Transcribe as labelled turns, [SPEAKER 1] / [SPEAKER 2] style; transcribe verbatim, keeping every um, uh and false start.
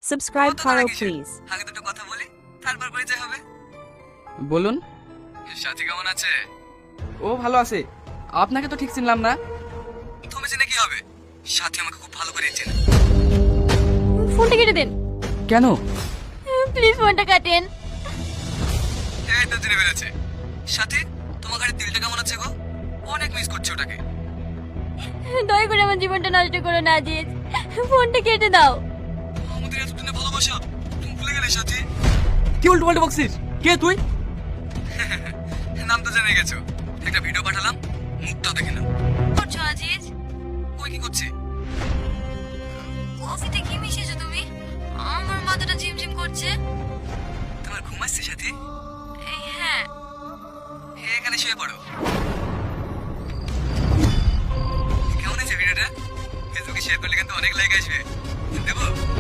[SPEAKER 1] Subscribe
[SPEAKER 2] কত
[SPEAKER 1] করো
[SPEAKER 2] টাকা কিসের?
[SPEAKER 1] প্লিজ।
[SPEAKER 2] আগে দুটো কথা বলি, তারপর পরিচয় হবে।
[SPEAKER 3] বলুন।
[SPEAKER 2] সাথী কেমন আছে?
[SPEAKER 3] ও ভালো আছে। আপনাকে তো ঠিক চিনলাম না।
[SPEAKER 2] তুমি চিনে কি হবে? সাথী আমাকে খুব ভালো করে চেনে।
[SPEAKER 4] ফোনটা কেটে দেন
[SPEAKER 3] কেন?
[SPEAKER 4] প্লিজ, ফোনটা কাটেন।
[SPEAKER 2] এই তো চিনে ফেলেছে। সাথী, তোমার গাড়ির দিলটা কেমন আছে গো? অনেক মিস করছি ওটাকে।
[SPEAKER 4] দয়া করে আমার জীবনটা নষ্ট করো না আজিজ, ফোনটা কেটে দাও।
[SPEAKER 2] আমাদের এতদিনে ভালোবাসা তুমি ভুলে গেলে সাথী?
[SPEAKER 3] কি উল্টো পাল্টা বকছিস? কে তুই?
[SPEAKER 2] নাম তো জেনে গেছো। একটা ভিডিও পাঠালাম, মুখটাও দেখে নাও।
[SPEAKER 4] করছো আজিজ?
[SPEAKER 2] ওই কি করছে?
[SPEAKER 4] কফিতে কি মিশিয়েছো তুমি? আমার মাথাটা ঝিমঝিম করছে।
[SPEAKER 2] তোমার ঘুম আসছে সাথী?
[SPEAKER 4] এই হ্যাঁ।
[SPEAKER 2] এখানে শুয়ে পড়ো। কেমন আছে ভিডিওটা? ফেসবুকে শেয়ার করলে কিন্তু অনেক লাইক আসবে। দেবো?